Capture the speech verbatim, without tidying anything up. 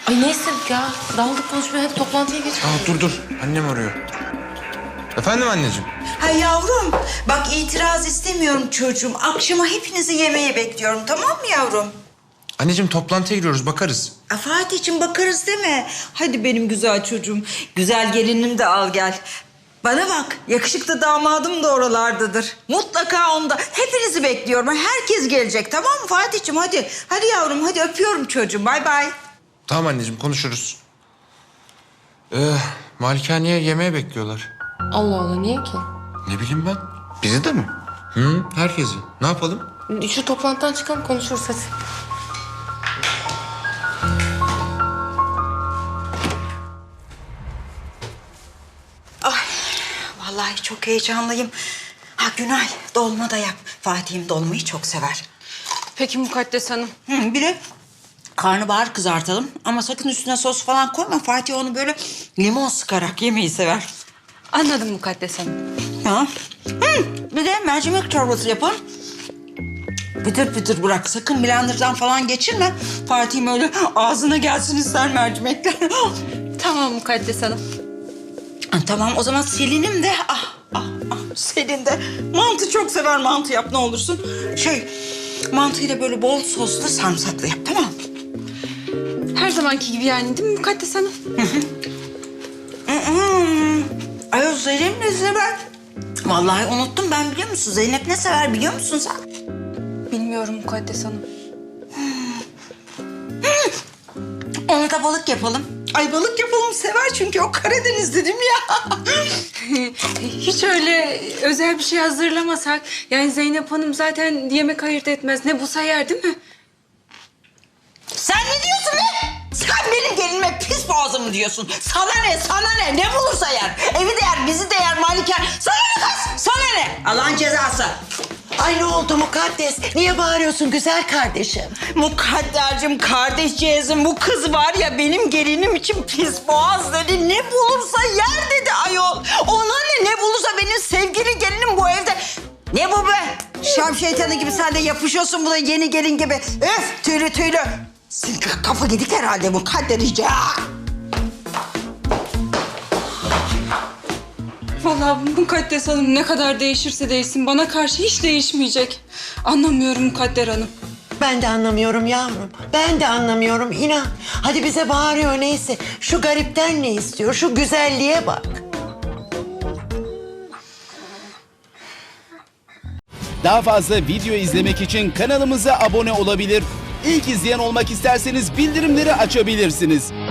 Ay neyse ya. Daldık konuşmaya, hep toplantıya geç. Aa, dur dur. Annem arıyor. Efendim anneciğim? Ha yavrum, bak itiraz istemiyorum çocuğum. Akşama hepinizi yemeğe bekliyorum, tamam mı yavrum? Anneciğim toplantıya giriyoruz, bakarız. A, Fatih'cim bakarız deme. Hadi benim güzel çocuğum. Güzel gelinim de al gel. Bana bak, yakışıklı damadım da oralardadır. Mutlaka onda. Hepinizi bekliyorum. Herkes gelecek, tamam mı Fatih'cim? Hadi, hadi yavrum, hadi öpüyorum çocuğum. Bay bay. Tamam anneciğim, konuşuruz. Ee, Malikaneye yemeğe bekliyorlar. Allah Allah, niye ki? Ne bileyim ben. Bizi de mi? Hı, herkesi. Ne yapalım? Şu toplantıdan çıkalım, konuşuruz hadi. Ay, vallahi çok heyecanlıyım. Ha Günay, dolma da yap. Fatih'im dolmayı çok sever. Peki Mukaddes Hanım. Hı, bir de karnabahar kızartalım. Ama sakın üstüne sos falan koyma. Fatih onu böyle limon sıkarak yemeyi sever. Anladım Mukaddes Hanım. Ha? Hı, bir de mercimek çorbası yapın. Pıtır pıtır bırak. Sakın blenderdan falan geçirme. Fatih'im öyle ağzına gelsin ister mercimekler. Tamam Mukaddes Hanım. Ha, tamam o zaman Selin'im de ah ah ah Selin de mantı çok sever, mantı yap ne olursun. Şey mantıyı da böyle bol soslu sarımsaklı yap, tamam mı? Her zamanki gibi yani değil mi Mukaddes Hanım? Hmm. Ay o Zeynep ne sever? Vallahi unuttum ben, biliyor musun? Zeynep ne sever biliyor musun sen? Bilmiyorum Mukaddes Hanım. Ona da balık yapalım. Ay balık yapalım, sever çünkü o Karadeniz'de değil mi ya? Hiç öyle özel bir şey hazırlamasak. Yani Zeynep Hanım zaten yemek ayırt etmez. Ne bulsa yer değil mi? Sen ne diyorsun be? Sen benim gelinime pis boğazımı diyorsun. Sana ne, sana ne? Ne bulursa yer. Evi de yer, bizi de yer, Malikan. Sana ne kız? Sana ne? Allah'ın cezası. Ay ne oldu Mukaddes? Niye bağırıyorsun güzel kardeşim? Mukaddercim, kardeşcağızım, bu kız var ya benim gelinim için pis boğaz dedi. Ne bulursa yer dedi ayol. Ona ne, ne bulursa benim sevgili gelinim bu evde. Ne bu be? Şam şeytanı gibi sen de yapışıyorsun buna, yeni gelin gibi. Öf, tüylü tüylü. Senin kafa gidik herhalde Mukadderciğim. Vallahi Mukaddes Hanım ne kadar değişirse değişsin bana karşı hiç değişmeyecek. Anlamıyorum Mukadder Hanım. Ben de anlamıyorum yavrum. Ben de anlamıyorum inan. Hadi bize bağırıyor neyse. Şu garipten ne istiyor? Şu güzelliğe bak. Daha fazla video izlemek için kanalımıza abone olabilir. İlk izleyen olmak isterseniz bildirimleri açabilirsiniz.